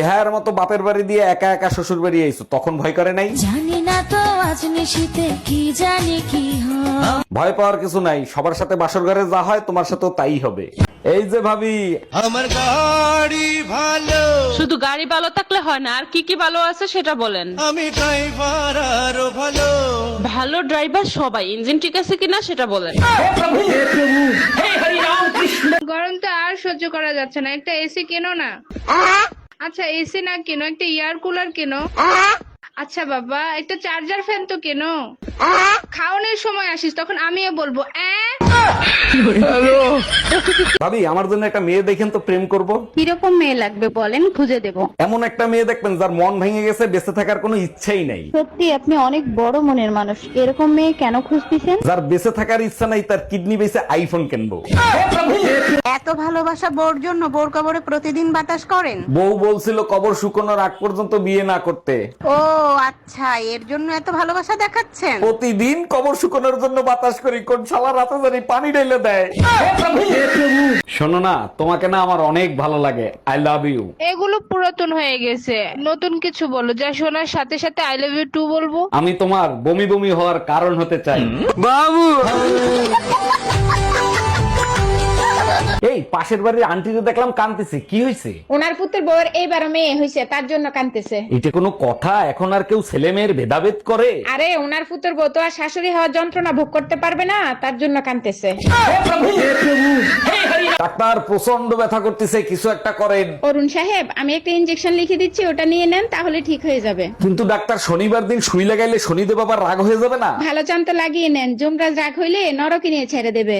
বেহায়ার মতো বাপের বাড়ি দিয়ে একা একা শ্বশুর বাড়ি আইছো, তখন ভয় করে নাই? জানি না তো আজ নিশিতে কি জানি কি হয়। ভয় পাওয়ার কিছু নাই, সবার সাথে বাসর ঘরে যা হয় তোমার সাথেও তাই হবে। এই যে ভাবি, আমার গাড়ি ভালো, শুধু গাড়ি ভালো থাকলে হয় না, আর কি কি ভালো আছে সেটা বলেন। আমি ড্রাইভার আরো ভালো। ভালো ড্রাইভার সবাই, ইঞ্জিন ঠিক আছে কিনা সেটা বলেন। গরম তো আর সহ্য করা যাচ্ছে না, একটা এসি কেনো না। আচ্ছা এসি না কেনো, একটা এয়ার কুলার কেনো। আচ্ছা বাবা, একটা চার্জার ফ্যান তো কেনো। খাওয়ানোর সময় আসিস তখন আমিও বলবো ভাবি আমার জন্য একটা মেয়ে দেখেন তো, প্রেম করব। কিরকম মেয়ে লাগবে বলেন, খুঁজে দেব। এমন একটা মেয়ে দেখবেন যার মন ভেঙে গেছে, বেঁচে থাকার কোনো ইচ্ছাই নাই। সত্যি আপনি অনেক বড় মনের মানুষ, এরকম মেয়ে কেন খুঁজতেছেন? যার বেঁচে থাকার ইচ্ছা নাই, তার কিডনি বেঁচে আইফোন কিনবো। এত ভালোবাসা বোর জন্য বোর কবরে প্রতিদিন বাতাস করেন? বউ বলছিল কবর শুকানোর আগ পর্যন্ত বিয়ে না করতে। ও আচ্ছা, এর জন্য এত ভালোবাসা দেখাচ্ছেন। প্রতিদিন কবর শুকানোর জন্য বাতাস করি, কোন শালা রাতে জানি পানি ঢেলে দেয়। শোনো না, তোমাকে না আমার অনেক ভালো লাগে, আই লাভ ইউ। এগুলো পুরাতন হয়ে গেছে, নতুন কিছু বলো যা শোনার সাথে সাথে আই লাভ ইউ টু বলবো। আমি তোমার বমি বমি হওয়ার কারণ হতে চাই। এই পাশের বাড়ির আন্টিকে দেখলাম কাঁদতেছে, কি হয়েছে? ওনার পুত্রের বউয়ের এইবার মেয়ে হয়েছে, তার জন্য কাঁদতেছে। এটা কোনো কথা? এখন আর কেউ ছেলে মেয়ের ভেদাভেদ করে? আরে ওনার পুত্রের বউ তো আর শাশুড়ি হওয়ার যন্ত্রণা ভোগ করতে পারবে না, তার জন্য কাঁদতেছে। ডাক্তার প্রচন্ড ব্যথা করতেছে, কিছু একটা করেন। অরুণ সাহেব, আমি একটা ইনজেকশন লিখে দিচ্ছি, ওটা নিয়ে নেন, তাহলে ঠিক হয়ে যাবে। কিন্তু ডাক্তার শনিবার দিন সুই লাগাইলে শনিদেব আবার রাগ হয়ে যাবে না? ভালো চান্তা লাগিয়ে নেন, যমরাজ রাগ হইলে নরকে নিয়ে ছেড়ে দেবে।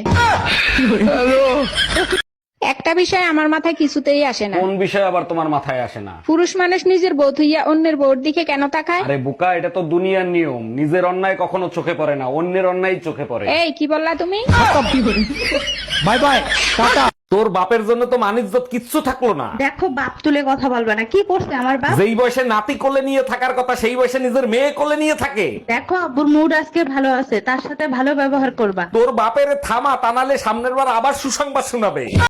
একটা বিষয় আমার মাথায় কিছুতেই আসে না, কোন বিষয় আবার তোমার মাথায় আসে না? পুরুষ মানুষ নিজের বউ থুইয়া অন্যের বউর দিকে কেন তাকায়? আরে বোকা, এটা তো দুনিয়ার নিয়ম। নিজের অন্যায় কখনো চোখে পড়ে না, অন্যের অন্যায় চোখে পড়ে। এই কি বললা তুমি? Bye bye, tata. তোর বাপের জন্য তো মানিজ্জত কিচ্ছু থাকলো না। দেখো, বাপ তুলে কথা বলবে না। কি করছে আমার বাপ? যেই বয়সে নাতি কোলে নিয়ে থাকার কথা, সেই বয়সে নিজের মেয়ে কোলে নিয়ে থাকে। দেখো, আব্বুর মুড আজকে ভালো আছে, তার সাথে ভালো ব্যবহার করবা। তোর বাপের থামা, তা নাহলে সামনের বার আবার সুসংবাদ শোনাবে।